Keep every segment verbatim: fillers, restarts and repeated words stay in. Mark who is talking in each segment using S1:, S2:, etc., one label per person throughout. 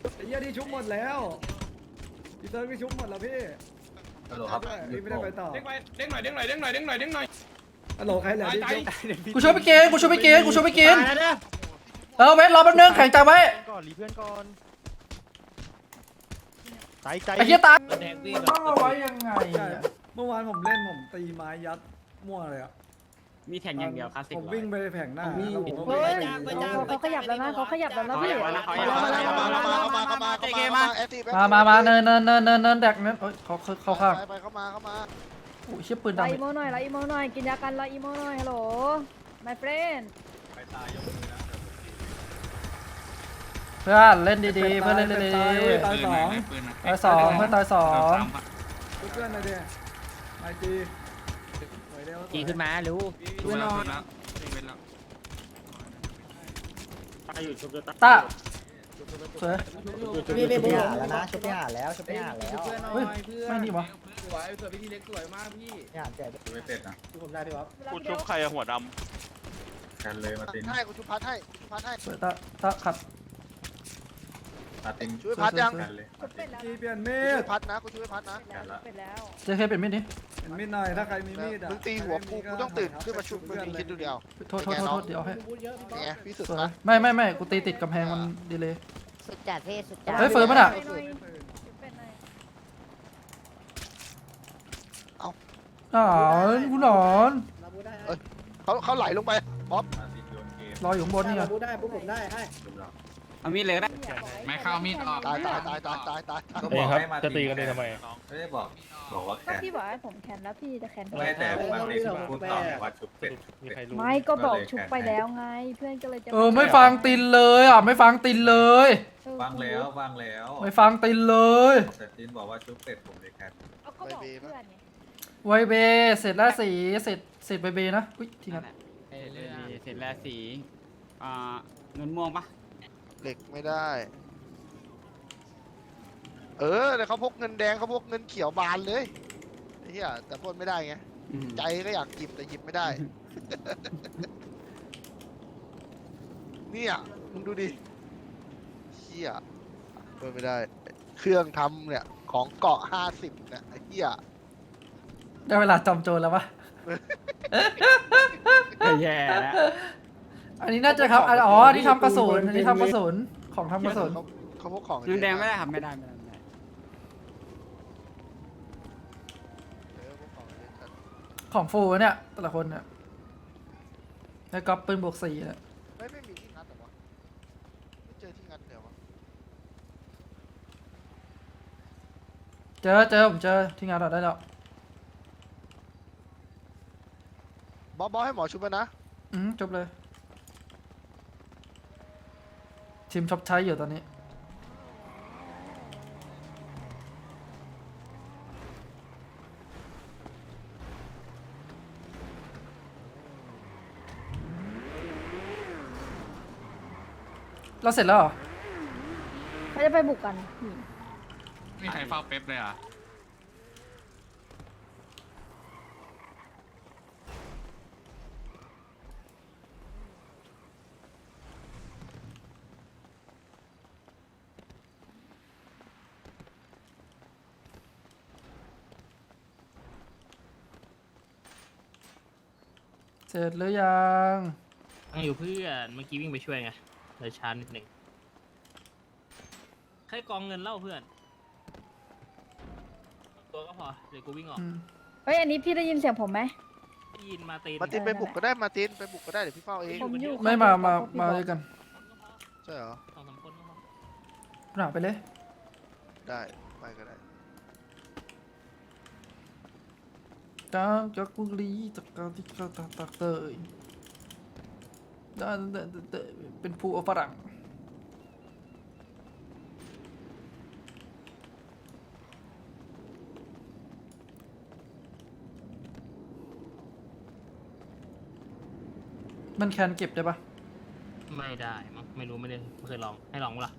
S1: ไอ้เหี้ยที่ชุบหมดแล้วพี่เติร์กที่ชุบหมดแล้วพี่ฮัลโหลครับพี่ไม่ได้ไปต่อ
S2: เด้งไปเด้งหน่อยเด้งหน่อยเด้งหน่อยเด้งหน่อยเด้งหน่อย
S1: ฮัลโหลใครเหลือที่ชุบ
S3: กูช่วยไปเกณฑ์กูช่วยไปเกณฑ์กูช่วยไปเกณฑ์เออเวทรอแป๊บนึงแข่งใจไว้
S4: ก่อนรีเพื่อนก่อนใจใจ
S3: ไอ้เหี้ยตาย
S5: แดงพี่
S3: ต้องเอาไว้ยังไง
S1: ใช่เมื่อวานผมเล่นผมตีไม้ยัดมั่วเลยอ่ะ
S5: มีแทงอย่างเดียวคลาสสิก
S1: ผมวิ่งไปแผงหน้าแล้วผมก็
S6: เฮ้ย
S1: วิ่งไป
S6: เขาขยับแล้วนะเขาขยับแล้วนะพี่
S5: เกมมา
S3: มามามาเนินเนินเนินเนินเนินแดกเนินเอ้ยเขาเขาเข้าข้าง
S7: ไปเข้ามาเข้ามา
S3: โอ้ยเชี่ยปืน
S6: รอ
S3: ดำ
S6: อีโมหน่อยรออีโมหน่อยกินยากันรออีโมหน่อยฮัลโหล my friend
S3: เพื่อนเล่นดีๆเพื่อนเล่นดี
S1: ตายเว้ยตายสอง
S3: ๆตายสองเพื่อนตายสอง
S1: ชุบเพื่อนหน่อยดิไอจีสวยเร็ว
S5: จีขึ้นมาเร็ว
S2: เพื่อนนอน
S3: ตาสวย
S4: พี่ไปบุกแล้วนะชุบพี่หาแล้วชุบพี่หาแล้ว
S3: เฮ้ยไม่นี่วะ
S2: สวยสวยพี่ทีเล็กสวยมากพี่
S4: พี่หาแจก
S8: ไม่เป็ดนะ
S4: ผมได้พี่วะ
S9: กูชุบใครอะหัวด
S8: กันเลยมาติน
S7: ให้กูชุบพัดให้ชุบพัดให้
S3: สวยตาตาขัด
S8: มาติน
S7: ช่วยพัดยัง
S8: กันเลยมาติ
S6: เป็น
S8: น
S6: แล้ว
S1: จีเปลี่ยนมี
S7: ช่ว
S1: ด
S7: ยพัดนะกูช่วยพัดนะ
S6: เป็นแล้ว
S3: เจเคเป็นมิดนี่
S1: เห็นมีดหน่อยถ้าใครมีมีดอ่ะ
S7: มึงตีหัวกูกูต้องตื่นขึ้นมาชุบมึงคิดดูเดียว
S3: โทษโทษโทษโทษเดี๋ยวให้
S7: นี่ไงพี่สุด
S3: สวย
S7: นะ
S3: ไม่ไม่ไม่กูตีติดกำแพงมันดีเลย
S6: สุดจัดเท่สุดจัด
S3: เฮ้ยเฟิร์นปะน่ะ อ๋อกูหนอน
S7: เขาเขาไหลลงไปบ๊อบ
S8: มาตินโยนเกม
S3: รออยู่ข้างบนนี่ไง
S4: พูดได้ปุ๊บผมได้ให้
S8: จบแล้ว
S5: เอามีดเลยก็ได้
S2: ไม่เข้ามีดออก
S7: ตายตายตายตายตายตาย
S8: ก็บอกให้มาจะตีกันเลยทำไมไม่ได้บอกบอกว่า
S6: ก็
S8: แคน
S6: พี่บอกให้ผมแคนแล้วพี่จะแคน
S8: ไม่แต่มาตินพูดต่อว่าชุบเป็ด
S4: มีใครรู้
S6: ไม่ก็บอกชุบไปแล้วไง เพื่อนก็เลยจะ
S3: เออไม่ฟังตินเลยอ่ะไม่ฟังตินเลย
S8: ฟังแล้วฟังแล้ว
S3: ไม่ฟังตินเลย
S8: แต่ตินบอกว่าชุบเป็ดผมเลยแคน
S6: ก็บอกเพื่อนไง
S3: ไวเบเสร็จแล้วสีเสร็จเสร็จไวเบนะอุ้ยทีนั้น
S5: เสร็จแล้วสีอ่าเงินม่วงปะ
S7: เหล็กไม่ได้ เออเดี๋ยวเขาพกเงินแดงเขาพกเงินเขียวบานเลยไอ้เหี้ยแต่ปล้นไม่ได้ไงใจก็อยากหยิบแต่หยิบไม่ได้ เนี่ยมึงดูดิเหี้ยปล้นไม่ได้ เครื่องทำเนี่ยของเกาะห้าสิบเนี่ยไอ้เหี้ย
S3: ได้เวลาจอมโจรแล้ววะ
S5: แย่แล้ว
S3: อันนี้น่าจะครับอ๋ออันนี้ทำกระสุนอันนี้ทำกระสุนของทำกระสุน
S7: เขาเขาพกของ
S5: เงินแดงไม่ได้ครับไม่ได้ไม่ได้ไม่ได้
S7: เออพกของเยอะจัด
S3: ของฟูเนี่ยแต่ละคนเนี่ยแล้วก็ปืนบวกสี่เนี่ย
S7: ไม่ไม่มีที่งัดเหรอวะไม่เจอที่งัดเดี๋ยววะ
S3: เจอเจอผมเจอที่งานเราได้แล้ว
S7: บอสบอสให้หมอชุบไปนะ
S3: อืมจบเลยทีมชอบใช้อยู่ตอนนี้เราเสร็จแล้วเหรอ
S6: เขาจะไปบุกกัน
S2: มีใครเฝ้าเป๊ปเลยอ่ะ
S3: เสร็จหรือยัง
S5: ยังอยู่เพื่อนเมื่อกี้วิ่งไปช่วยไงเลยช้านิดหนึ่งใครกองเงินเล่าเพื่อนตัวก็พอเดี๋ยวกูวิ่งออก
S3: อืม
S6: เฮ้ยอันนี้พี่ได้ยินเสียงผมไหม
S5: ได้ยินมาตีน
S7: มาตินไปบุกก็ได้มาตินไปบุกก็ได้เดี๋ยวพี่เฝ้าเอง
S6: ผมอยู่
S3: ไม่มามามาด้วยกัน
S7: ใช่เหรอ
S5: สองสามคนก็พอ
S3: หนาไปเลย
S7: ได้ไปก็ได้
S3: จากจากกุลีจากการที่กระตักตักเตยได้ได้ได้เป็นผู้ฝรั่งมันแคนเก็บได้ปะ
S5: ไม่ได้มั้งไม่รู้ไม่ได้ไม่เคยลองให้ลองมั้ยล่ะ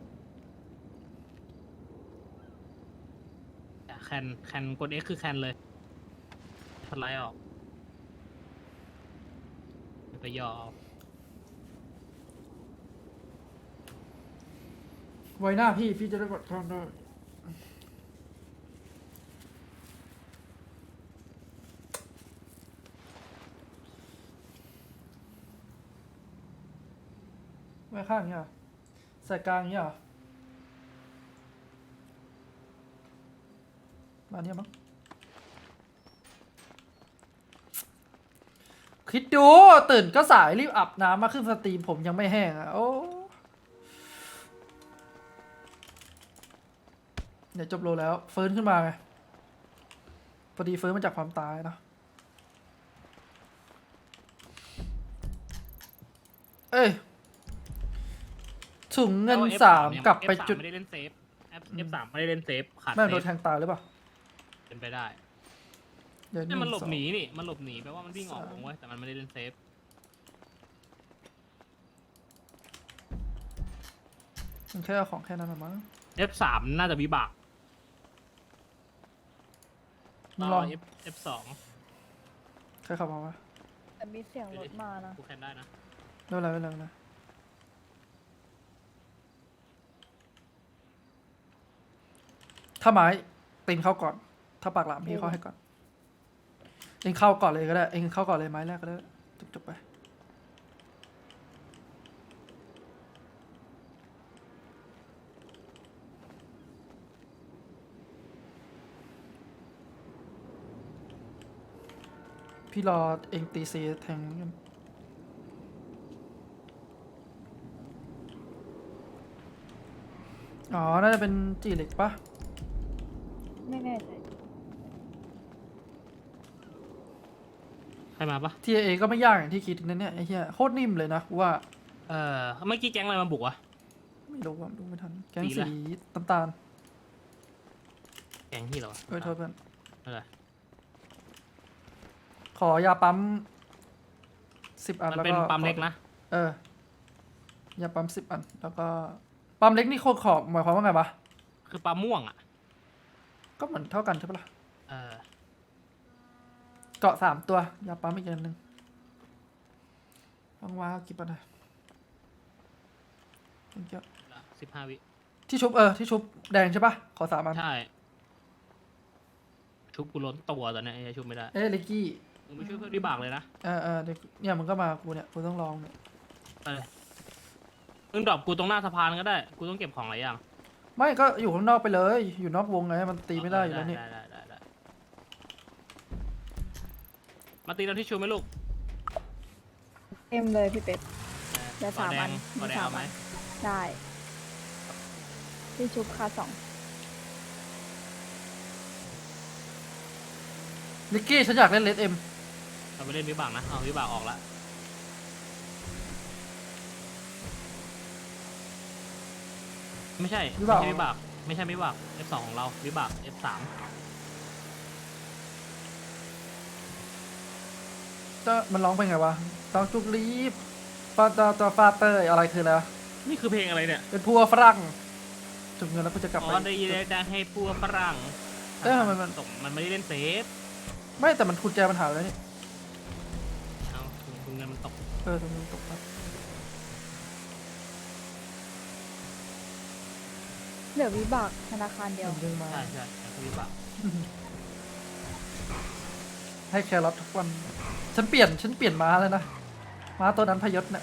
S5: แคนแคนกด X คือแคนเลยสไลด์ออกไปย่อเอา
S3: ไว้หน้าพี่พี่จะได้กดทองได้ไว้ข้างเนี่ยเหรอใส่กลางเนี่ยเหรอมาเนี่ยมั้งคิดดูตื่นก็สายรีบอาบน้ำมาขึ้นสตรีมผมยังไม่แห้งอ่ะโอ้เดี๋ยวจบโลแล้วฟื้นขึ้นมาไงพอดีฟื้นมาจากความตายเนาะเอ้ยถุงเงินสามกลับไปจุด
S5: ไม่ได้เล่นเซฟ F สามไม่ได้เล่นเซฟขาด
S3: แม่ง
S5: เซ
S3: โด
S5: ฟ
S3: นแทงตายหรือเปล่า
S5: เป็นไปได้
S3: เดี๋ยว
S5: นี่มันหลบ
S3: งสอง
S5: หนีนี่มันหลบหนีแปลว่ามันวิ่งออกวงไว้ยแต่มันไม่ได้เล่นเซฟ
S3: มันแค่เอาของแค่นั้นหรอมั้ง
S5: F สามน่าจะวิบาก
S3: มึงลอง
S5: F F สอง
S3: ใครขับมาวะ
S6: แต่มีเสียงรถมานะ
S5: กูแคนได้นะ
S3: ไม่เป็นไรไม่เป็นไรไม่เป็นไรถ้าไม้ตีนเข้าก่อน ถ้าปากหลามพี่เข้าให้ก่อน เองเข้าก่อนเลยก็ได้ เองเข้าก่อนเลยไม้แรกก็ได้จบจบไป พี่รอเองตีซีแทงกันอ๋อ น่าจะเป็นจีเหล็กปะ
S6: ไม่แน่ใจ
S5: ใครมาปะ
S3: ทีเอก็ไม่ยากอย่างที่คิดนะเนี่ยไอ้เหี้ยโคตรนิ่มเลยนะกูว่า
S5: เออเมื่อกี้แก๊งอะไรมาบุกวะ
S3: ไม่รู้ว่าดูไม่ทัน แก๊ง
S5: สีอะไร
S3: สีน้ำตาล
S5: แก๊งที่เหรอวะ
S3: เอ้ยโทษเพื่อน
S5: อะไร
S3: ขอยาปั๊มสิบอัน
S5: มัน
S3: แล้ว
S5: เป็น
S3: ก็
S5: ปั๊มเล็กนะ
S3: เออยาปั๊มสิบอัน แล้วก็ปั๊มเล็กนี่โคตรขอบหมายความว่าไงวะ
S5: คือปั๊มม่วงอ่ะ
S3: ก็เหมือนเท่ากันใช่ปะล่ะ
S5: เออ
S3: เกาะสามตัวยาปั๊มอีกอันหนึ่งว่างว้ากี่ปันนะเกี่ยว
S5: สิบห้าวิ
S3: ที่ชุบเออที่ชุบแดงใช่ปะขอสามอัน
S5: ใช่ ชุบกูล้นตัวตอนเนี้ยไอ้ชุบไม่ได้
S3: เอ้ยลิกกี้
S5: มึงไม่ช่วยเพื่อนวิบากเลยนะ
S3: เออเออเดี๋ยวเนี่ยมึงก็มากูเนี่ยกูต้องลองเนี่ย
S5: ไปเลยมึงดรอปกูตรงหน้าสะพานก็ได้ กูต้องเก็บของหลายอย่าง
S3: ไม่ก็อยู่ข้างนอกไปเลย อยู่นอกวงไงมันตีไม่ได้อยู่แล้วนี่
S5: ได้ได้ได้ได้มาตีเราที่ชูไหมลูก
S6: เอ็มเลยพี่เป็ด เดี๋ยว
S5: ก่อ
S6: สาม
S5: แด
S6: อั
S5: ง
S6: น
S5: ก่อแดง
S6: สาม
S5: เอาไหม
S6: อัน ได้ที่ชุบคาสอง
S3: ลิกกี้ฉันอยากเล่นเลดเอ็ม
S5: เราไปเล่นวิบากนะ เอาวิบากออกละไม่ใช่ไม่ใช่วิบาก ไม่ใช่วิบาก F สองของเรา วิบาก F สาม
S3: ก็มันร้องไปไงวะต้องจุกรีบปาตาตาฟาเตอร์อะไรคืออะไรวะ
S5: นี่คือเพลงอะไรเนี่ย
S3: เป็นพัวฝรั่งจุกเงินแล้วกูจะกลับ
S5: อ๋
S3: ไป
S5: อได้ยินได้ให้พวกฝรั่ง
S3: เอ้ยทำไมมัน
S5: ตกมันไม่ได้เล่นเซฟ
S3: ไม่แต่มันกุญแจมันหายไปแล้วนี่
S5: เอาคุณเงินมันตก
S3: เออตรงนี้ตกครับ
S6: เหลือวิบากธนาคารเดียว
S3: มันดึงมา
S5: ใช่ใช่แต่คือวิบาก
S3: ให้แครอททุกวัน ฉันเปลี่ยนฉันเปลี่ยนม้าเลยนะม้าตัวนั้นพยศเนี่ย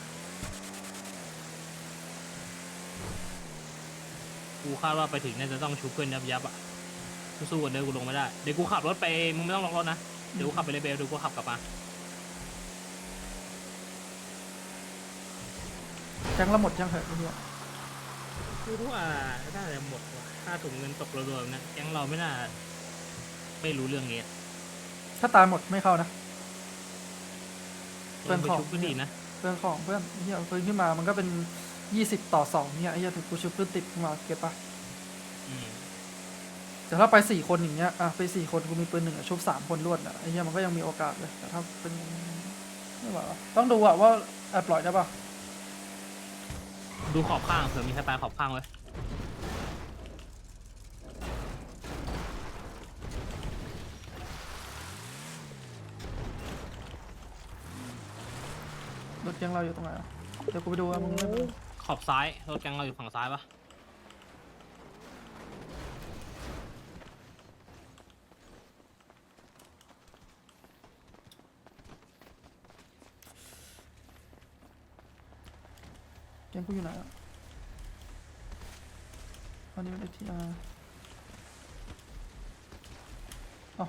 S5: กูคาดว่าไปถึงน่าจะต้องชุบเพื่อนยับยับๆอ่ะสู้ๆกันเด้อกูลงไม่ได้ เดี๋ยวกูขับรถไป มึงไม่ต้องล็อกรถนะ เดี๋ยวกูขับไปเลยเบลเดี๋ยวกูขับกลับมา
S3: แจ้งละหมดยังเหรอไอ้เหี้ย
S5: กูรู้ว่าน่าจะหมดว่ะค่าถุงเงินตกรวมๆนะแก๊งเราไม่น่า ไม่รู้เรื่องนี้
S3: ถ้าตายหมดไม่เข้านะ เพื่อน
S5: ไป
S3: ของ
S5: ชุบก็ดีนะ
S3: เพื่อนของเพื่อนไอ้เหี้ยฟื้นขึ้นมามันก็เป็นยี่สิบต่อสองเนี่ยไอ้เหี้ยถึงกูชุบเพื่อนติดขึ้นมาเก็บปะ
S5: อืม
S3: แต่ถ้าไปสี่คนอย่างเงี้ยอ่ะไปสี่คนกูมีปืนหนึ่งอะชุบสามคนรวดอ่ะไอ้เหี้ยมันก็ยังมีโอกาสเลยแต่ถ้าเป็นไม่ไหววะต้องดูอะว่าแอบปล่อยได้ปะ
S5: ดูขอบข้างเผื่อมีใครตายขอบข้างไว้
S3: รถยังเราอยู่ตรงไหนอะเดี๋ยวกูไปดูว่ามึงไม่เป็น
S5: ขอบซ้ายรถแก๊งเราอยู่ฝั่งซ้ายปะ
S3: กงกูอยู่ไหนอ่ะอันนี้มันเอทีอาร์อ๋อ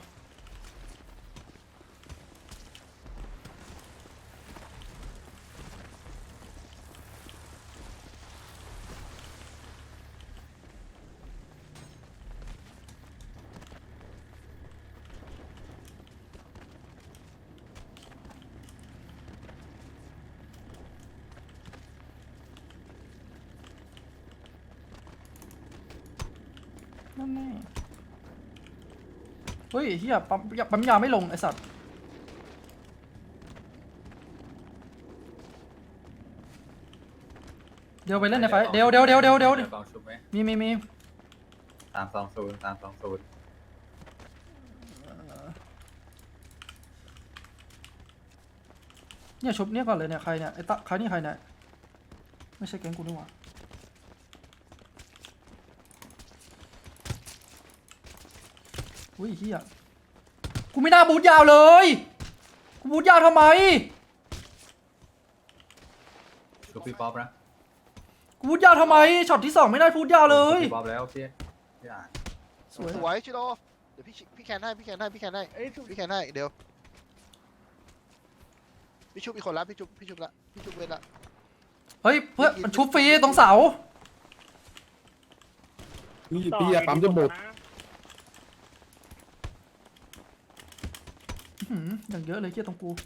S3: นั่นแน่เฮ้ยเฮียปั๊มยาปั๊มยาไม่ลงไอสัตว์เดี๋ยวไปเล่นในไฟเดี๋ยวเดี๋ยวเดี๋ยวเดี๋ยวเดี๋ยว
S8: ดี๋กองชุบไหม
S3: มีมีมี
S8: สามสองศูนย์สามสองศูนย์
S3: เนี่ยชุบเนี่ยก่อนเลยเนี่ยใครเนี่ยไอ้ตะใครนี่ใครเนี่ยไม่ใช่แก๊งกูนี่หว่าอุ้ยเฮียกูไม่น่าบูทยาวเลยกูบูทยาวทำไม
S8: ชุบพี่ป๊อปนะ
S3: กูบูทยาวทำไมช็อตที่สองไม่ได้พูดยาวเลย
S8: ชุบพี่ป๊อปแล้วพี่พี่อ่าน
S3: สวย
S7: สวยชิโร่เดี๋ยวพี่พี่แคนให้พี่แคนให้พี่แคนให้
S1: เอ้ยชุบ
S7: พี่แคนให้เดี๋ยวพี่ชุบอีกคนละพี่ชุบพี่ชุบละพี่ชุบเวทละ
S3: เฮ้ยเพื่อนมันชุบฟรีตรงเสา
S9: พี่พี่อย่าปั๊มจนหมด
S3: อื้อหืออย่างเยอะเลยเฮียตรงกู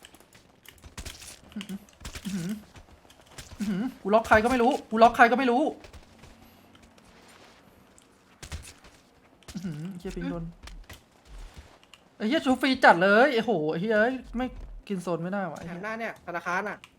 S3: อื้อหืออื้อหืออื้อหือกูล็อกใครก็ไม่รู้กูล็อกใครก็ไม่รู้อื้อหือเฮียปิงโดนไอ้เฮียชุบฟรีจัดเลยไอ้โหไอ้เฮียไม่กินโซนไม่ได้วะไอ้เหี้ย
S4: หน้าเนี่ยธนาคารอ่ะ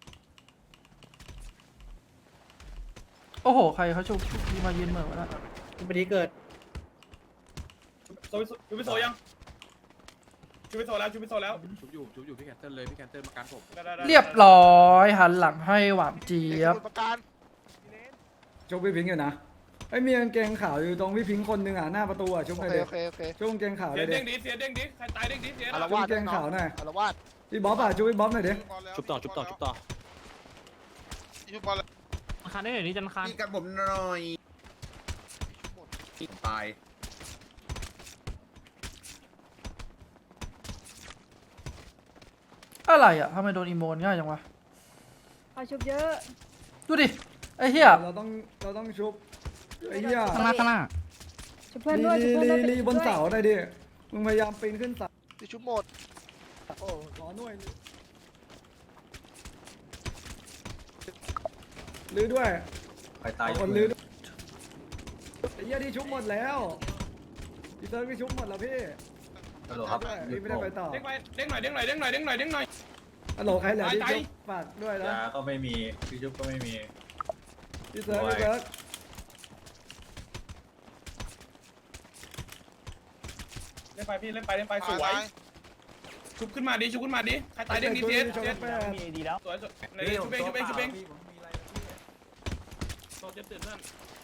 S3: โอ้โหใครเขาชุบที่มายืนเหมือนวะนะ
S4: พอดีเกิด
S2: โซชูพิโซยังชูพิโซแล้วชูพิโซแล้ว
S9: ชุบอยู่ชุบอยู่พี่แคนเซิลเลยพี่แคนเซิลมาการผม
S3: เรียบร้อยหันหลังให้หวานเจี๊ยบ
S7: สมุดประการ
S1: ชุบพี่พิงค์อยู่นะไอ้ยมีกางเกงขาวอยู่ตรงพี่พิงค์คนหนึ่งอ่ะหน้าประตูอ่ะชุบ
S7: โอ
S1: ไป
S7: เค
S1: เลย
S7: โอเคโอเค
S1: ชุบกางเกงขาวเล
S2: เสีย
S1: ยเด็
S2: เด้งดิเสียเด้งดิใครตายเด้งดิเสีย
S7: อาร
S1: ชุบ
S7: วาส
S1: กางเกงขาวหน่อย
S7: อารวาส
S1: พี่บ๊อบอ่ะชุบพี่บ๊อบหน่อยดิ
S9: ชุบต่อชุบต่อชุบต่อ
S7: ชุบบอลเลย
S5: จันคานได้หน่อยนี่จันคาน
S9: พี่กับผมหน่อยตาย
S3: อะไรอ่ะทำไมโดนอีโมนง่ายจังวะ
S6: เอาชุบเยอะ
S3: ดูดิไอ้เหี้ย
S1: เราต้องเราต้องชุบไอ้เหี้ย
S3: ข้างหน้าข้างหน้า
S6: ชุบเพื่อน
S1: ลี
S6: ด้วยชุบ
S1: ลี
S6: เพื่อนด้วย
S1: ลีบนเสาหน่อยดิมึงพยายามปีนขึ้นเสา
S7: พี่ชุบหมด
S1: โอ้ขอหน่วยลื้อด้วย
S8: ใครตาย
S1: เอาคนลื้อด้วยไอ้เหี้ยที่ชุบหมดแล้วพี่เติร์กที่ชุบหมดแล้วพี่
S8: ฮัลโหลครับ
S1: ด้วยพี่ไม่ได้ไปต่อ
S2: เด้งไปเด้งหน่อยเด้งหน่อยเด้งหน่อยเด้งหน่อยเด้งหน่อย
S1: ฮัลโหลใครเหลือที่
S2: ตาย
S1: ชุบฝากด้วยนะ
S8: ยาก็ไม่มีพี่ชุบก็ไม่มี
S1: พี่เติร์กพี่เติร์ก
S2: เล่นไปพี่เล่นไปเล่นไปสวยชุบขึ้นมาดิชุบขึ้นมาดิใครตายเด้งดิเสียเสีย
S1: แปด
S2: สวยสวยในชุบเองชุบเองชุบเองโซเจ็บตื่นเพื่อน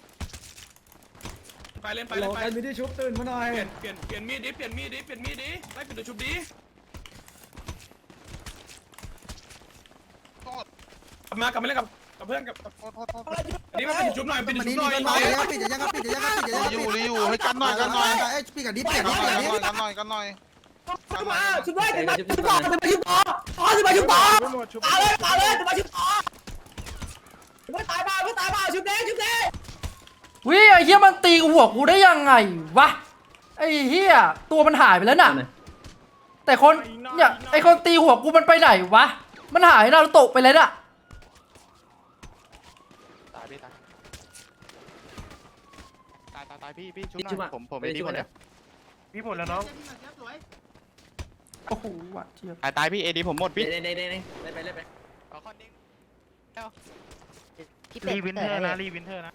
S2: ไปเล่นไป
S1: ฮัลโหล
S2: เล่นไป
S1: ใครมีที่ชุบตื่นมาหน่อย
S2: เปลี่ยนเปลี่ยนเปลี่ยนมีดดิเปลี่ยนมีดดิเปลี่ยนมีดดิไล่เปลี่ยนตัวชุบดิกลับมากลับมาเล่นกับกับเพื่อนกับอันนี้มาเป็นชุบหน่อยเป็นชุบหน่อย
S4: ปิดจะยังครับปิดจะยังครับปิดจะยังครับ
S7: อยู่รีอยู่ให้กันหน่อยกันหน่อย
S4: เอ้ยปิดกับดิปิดกับดิ
S7: กัน
S4: ปิด
S7: ห
S4: กับ
S7: น่อย
S4: ดิ
S7: กันหน่อยกันหน่อยกันหน่อย
S4: ชุบด้วยชุบด้วยชุบต่อชุบไปชุบต่ออ๋อชุบไปชุบต่อเอาเลยเอาเลยชุบไปชุบต่อชุบตายบ้าชุบตายบ้าชุบแดงชุบแดง
S3: วิไอ้เหี้ยมันตีหัวกูได้ยังไงวะไอ้เหี้ยตัวมันหายไปแล้วน่ะแต่คนเนี่ยไอ้คนตีหัวกูมันไปไหนวะมันหายนารูโตะไปเลยน่ะ
S7: ตายพี่ตายตายตายตายพี่พี่ชุบหน่อยผมผมไม่ดีหมดแล้ว
S4: พี่ผลแล้วน้อง
S3: โอ้โหหวานเจี๊ยบ
S7: ตายตายพี่เอดีผมหมดพี่
S4: เด้เด้เด้เด้เล่นไปเล่นไป
S7: ขอคอนดิ้ง
S4: รีวินเทอร์นะรีวินเทอร์นะ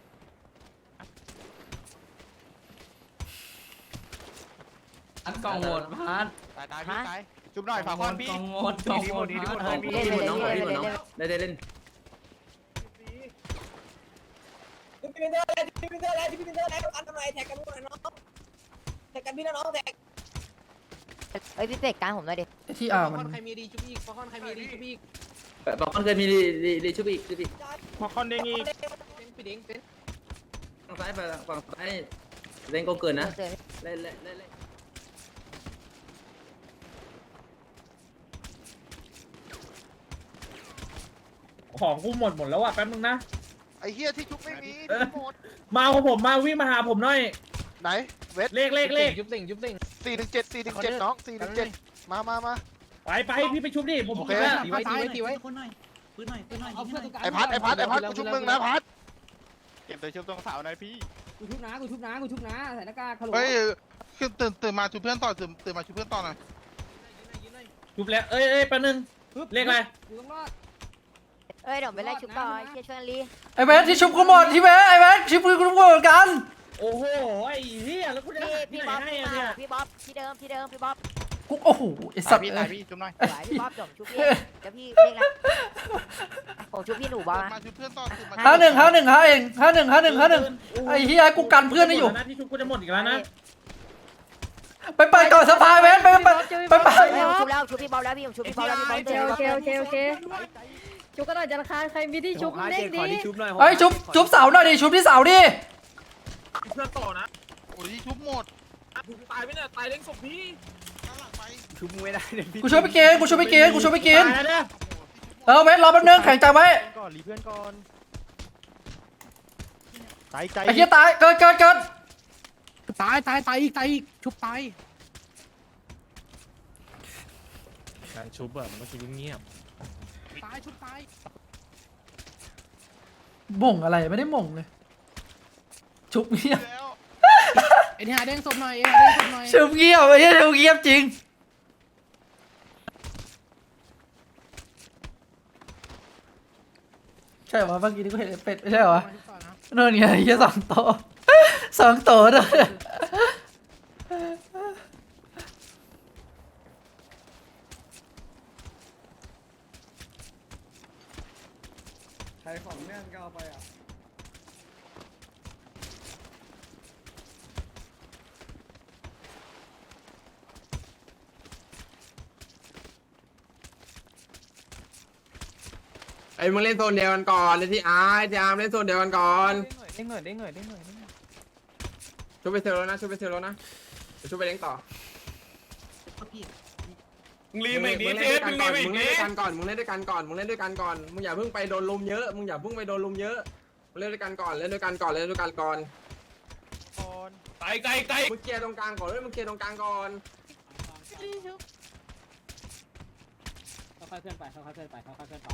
S10: อันกองโหดพัน
S7: ตายตายพี่ตายชุบหน่อยฝากคอนพี่
S10: กองโหดกองโหดพัน
S4: เล่นเล่นน้องเล่นน้องเล่นเล่น
S11: พี่เป็นเตอร์แล้วพี่เป็นเตอร์แล้วพี่เป็นเตอร์แล้วอันทำไมแท็กกันหมดน้องแท็กกันพี่นะน้องแท็ก
S6: เอ้ยพี่เตกการผมหน่อยดิ
S3: ไอ้ที่อ่ามัน
S11: ใครมีดีชุบอีกฟอนใครมีดีชุบอีก
S10: บอกมันเคยมีรีรีรีชุบอีกชุบอีก
S11: ใช่
S2: พอคอนเด้งอีก
S10: พี่ดิ้งเป็นฝั่งซ้ายไปฝั่งซ้ายเล่นก็เกินนะเล่นเล่นเล่น
S2: ของกูหมดหมดแล้วอ่ะแป๊บนึงนะ
S7: ไอ้เฮียที่ชุบไม่มี
S2: เออ
S7: หมด
S2: มาของผมมาวิ่งมาหาผมหน่อย
S7: ไหนเวท
S2: เลขเลขเลข
S10: ยุบสิ่งยุบสิ่ง
S7: สี่หนึ่งเจ็ดสี่หนึ่งเจ็ดน้องสี่หนึ่งเจ็ดมามามา
S2: ไปไปพี่ไปชุบดิผม
S7: โอเค
S10: ตีไว้ตีไว้ตีไว้
S7: ไอ้พัดไอ้พัดไอ้พัดกูชุบมึงนะพัด
S9: เก็บตัวชุบตรงเสาหน่อยพี่
S11: กูชุบนะกูชุบนะกูชุบนะใส่หน้ากากฮัลโหล
S9: เฮ้ยคือตื่นตื่นมาชุบเพื่อนต่อตื่นตื่นมาชุบเพื่อนต่อหน่อย
S2: ชุบแล้วเอ้ยเอ้ยแป๊บนึงเลขอะไร
S11: กูต้องรอด
S6: เอ้ยเดี๋ยวไปไล่ชุบต่อเชียร์ชวนลี
S3: ไอ้เวสที่ชุบกูหมดที่เวสไอ้เวสชุบกูหมดเหมือนกัน
S2: โอ้โหไอ้เหี้ยแล้วกูจะ
S6: พี่
S2: หาที่
S6: พี่
S2: ไหน
S6: บ๊อบ
S2: ให้
S6: พี่
S2: อะ
S6: มา
S2: เนี่ย
S6: พี่บ๊อบที่เดิมที่เดิมพี่บ๊อบ
S3: กูโอ้โหไอ้สัตว์
S9: พี่
S3: เอ้
S9: ตาย
S3: ย
S9: พี่ชุบหน่อย
S6: สวยพี่บ๊อบจบชุบพี่เดี๋ยวพี่เรียกนะผมชุบพี่หนูบ๊อบ
S9: มาชุบเพื่อนต่อตื่นมา
S3: ห้าหนึ่งห้าหนึ่งห้าเองห้าหนึ่งห้าหนึ่งห้าหนึ่งไอ้เฮียกูกันเพื่อนได้อยู่
S2: นะที่ชุบกูจะหมดอีกแล้วนะ
S3: ไปไปก่อนสะพายเวสไปไปไปไป
S6: ชุบแล้วชุบพี่บ๊อบแล้วพี่ผมชุบพี่บ๊อบแล้วพี่บ๊อบ
S11: โอเคโอเคโอเคโอเคชุบกันหน่อยจันทร์คารใครมีที่ชุบเล็กดี
S3: ไอ้ยชุบชุบเสาหน่อยดิชุบที่เสาดิ
S2: เพื่อนต่อนะ
S9: โอ้ยชุบหมด
S2: ตายไปเนี่ยตายเล้งศพพี่
S9: ข้างหลังไป
S10: ชุบไม่ได้เลยพี่
S3: กูช่วยไปกินกูช่วยไปกินกูช่วยไปกิน
S2: ตายแล้วเนี่ย
S3: เออเวสรอแป๊บนึงแข็งใจไว้
S9: ก่อนรีเพื่อนก่อนตายใจ
S3: ไอ้เฮียตายเกิดเกิดเกิด
S9: ตายตายตายอีกตายอีกชุบตาย
S5: การชุบอะมันต้องชุบเงียบ
S9: ตายชุบตาย
S3: ม่งอะไรไม่ได้ม่งเลยชุบเงียบ
S9: แล้ว
S10: เอ็นหาเด้งศพหน่อยเอ็นหาเด้งศพหน่อย
S3: ชุบเงียบไอ้เฮียชุบเงียบจริงใช่เหรอเมื่อกี้นี่กูเห็นไอ้เป็ดไม่ใช่เหรอนั่นไงไอ้เฮียสองโตะสองโตะด้วย
S1: ใครของแน่นก็เอาไปอ่ะ
S10: ไอ้มึงเล่นโซนเดียวกันก่อนเลยที่อาร์ที่อาร์เล่นโซนเดียวกันก่อน
S11: เด้งหน่อยเด้งหน่อยเด้งหน่อย
S10: ชุบไปเซลล์นะชุบไปเซลล์นะชุบไปเล้งต่อ
S2: มึงรีบอีก
S10: มึ
S2: นิ
S10: ง
S2: ด
S10: เล่น
S2: เจ๊
S10: ด้วย
S2: มึ
S10: กัน
S2: ง
S10: ก่
S2: รี
S10: อน
S2: บอีก
S10: มึง
S2: นิ
S10: เล่นด้วย
S2: ด
S10: กันก่อนมึงเล่นด้วยกันก่อนมึงเล่นด้วยกันก่อนมึงอย่าเพิ่งไปโดนลุมเยอะมึงอย่าเพิ่งไปโดนลุมเยอะมึงเล่นด้วยกันก่อนเล่นด้วยกันก่อนเล่นด้วยกันก่อน
S2: ไกลไกลไกล
S10: มึงเคลียร์ตรงกลางก่อนเลยมึงเคลียร์ตรงกลางก่อน
S11: ค่อยๆเคลื่อนไปค่อยๆเคลื่อนไปค่อยๆเคลื่อนไป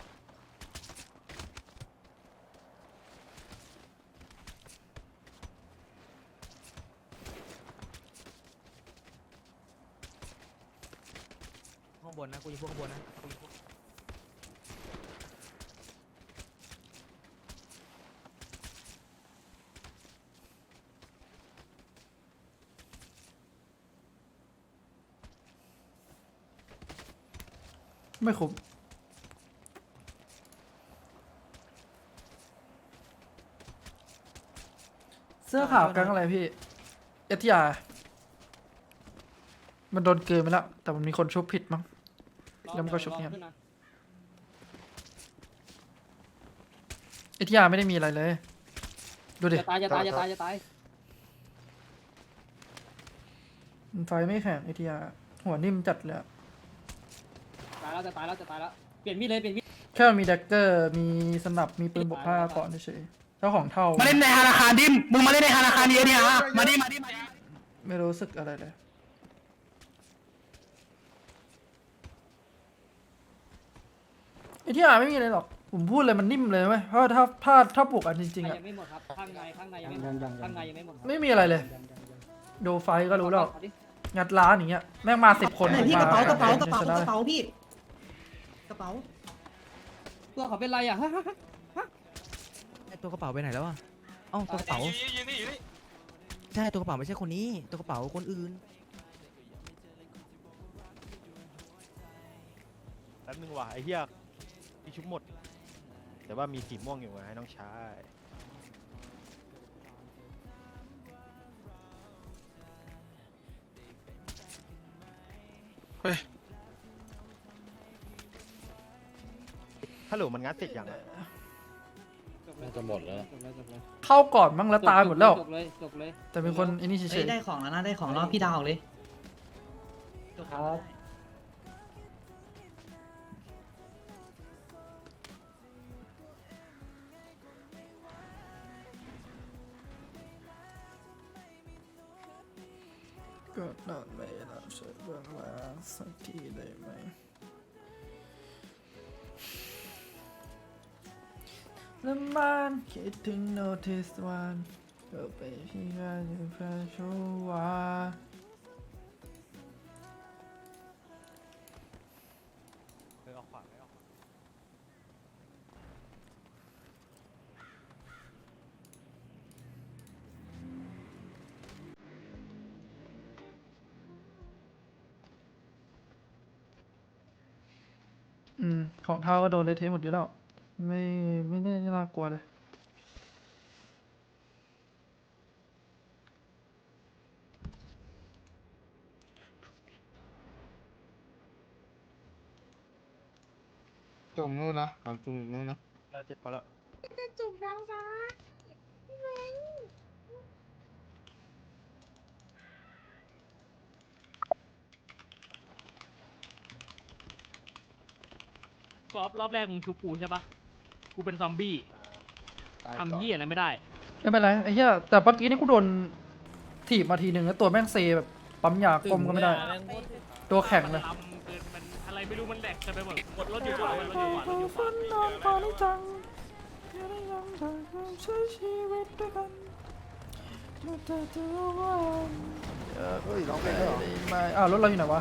S5: ข้างบนนะกูอยู่พวกข้างบนนะ
S3: ไม่คุ้มเสื้อขาวกังอะไรพี่เอทีอาร์มันโดนเกินไปแล้วแต่มันมีคนชุบผิดมั้งแล้วมันก็ชุบเงียบเอทีอาร์ไม่ได้มีอะไรเลยดูดิ
S11: จะตายจะตายจะตายจะตาย
S3: มันไฟไม่แข็งเอทีอาร์หัวนิ่มจัดเลยอะ
S11: ตายแล้วจะตายแล้วจะตายแล้วเปลี่ยนมีดเลยเปลี่ยนมีด
S3: แค่มันมีแดกเกอร์มีสนับมีปืนบวกผ้าก่อนเฉยๆเจ้าของเท่า
S4: มาเล่นในธนาคารดิมมึงมาเล่นในธนาคารเดียวเนี่ยฮะมาดิมาดิมาดิ
S3: ไม่รู้สึกอะไรเลยไอ้ที่อ่านไม่มีอะไรหรอกผมพูดเลยมันนิ่มเลยไหมเพราะว่าถ้าพลาดถ้าปลุกอันจริงๆอะ
S11: ยังไม่หมดครับข้างในข้างในยังไม่หมดข้างในยังไม่หมด
S3: ไม่มีอะไรเลย ดูไฟก็รู้แล้วงัดร้านอย่างเงี้ยแม่งมาสิบคน
S4: ไหนพี่
S3: ม
S4: กระเป๋ากระเป๋ากระเป๋า
S3: ช
S4: ก
S3: นะ
S4: ระ
S3: เลย
S4: เป๋าพี่กระเป๋า
S11: ตัวเขาเป็นไรอ่ะ
S10: ตัวกระเป๋าไปไหนแล้วอ่ะเอ้าตัวกระเป๋า
S2: ยืนนี่ยืนนี่
S10: ใช่ตัวกระเป๋าไม่ใช่คนนี้ตัวกระเป๋าคนอื่น
S9: แป๊บนึงว่ะไอ้เหี้ยที่ชุบหมดแต่ว่ามีสีม่วงอยู่ไงให้น้องชายเฮ้ยฮัลโหลมันงัดเสร็จยังอะ
S8: น่าจะหมดแล้ว
S3: เข้าก่อนมั้งแล้วตายหมดแล้ว
S11: จบเลยจบเลย
S3: แต่เป็นคนไอ้นี่เฉย
S4: ได้ของแล้วนะได้ของแล้วพี่ดาวเลย
S11: ครับ
S3: ๆก็นอนไม่หลับช่วยเบื้องหลังสักทีได้ไหมแล้วมันคิดถึงโนติสวันก็ไปที่งานอยู่แฟนชัวร์
S9: เออเอาขวาไม่เอาขวา
S3: อืมของเท้าก็โดนเละเทะหมดอยู่แล้วไม่ไม่ได้น่ากลัวเลย
S7: ตรงนู้นนะของตรงนู้นนะ
S9: แล้วเจ็ดพอแล้ว
S6: จะจุกน้ำฟ้า
S5: รอบรอบแรกมึงชุบกูใช่ปะกูเป็นซอมบี้
S7: ตาย
S5: ทำ
S7: ก่อน
S5: เหี้ยอะไรไม่ได้
S3: ไม่เป็นไรไอ้เหี้ยแต่เมื่อกี้นี่กูโดนถีบมาทีหนึ่งแล้วตัวแม่งเซแบบปั๊มยากลมก็ไม่ได้ ตัวแข็งเลย
S5: ลำเกินมันอะไรไม่รู้มันแหลกจะไปหมดกดรถอยู่ขวารถอยู่ขวารถอยู่ขวา
S3: ใช้ชีวิตด้วยกันแต่เธอว่า
S7: เฮ้ยร้องเพลงด้วยเหรอ
S3: ไม่อ้าวรถเราอยู่ไหนวะ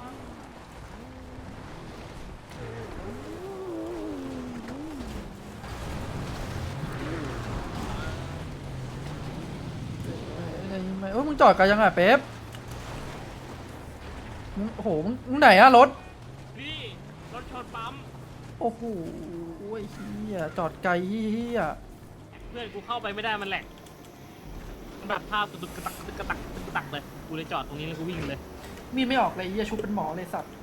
S3: ไม่เออมึงจอดกันยังไงเป๊ปมึงโอ้โหมึงมึงไหนอะรถ
S5: นี่รถชนปั๊ม
S3: โอ้โหไอ้เหี้ยจอดไกลเหี้ย
S5: เพื่อนกูเข้าไปไม่ได้มันแหลกมันแบบภาพกระตุกกระตักกระตุกกระตักกระตุกกระตักเลยกูเลยจอดตรงนี้แล้วกูวิ่งเลย
S3: มีดไม่ออกเลยไอ้เหี้ยชุบเป็นหมอเลยสัตว์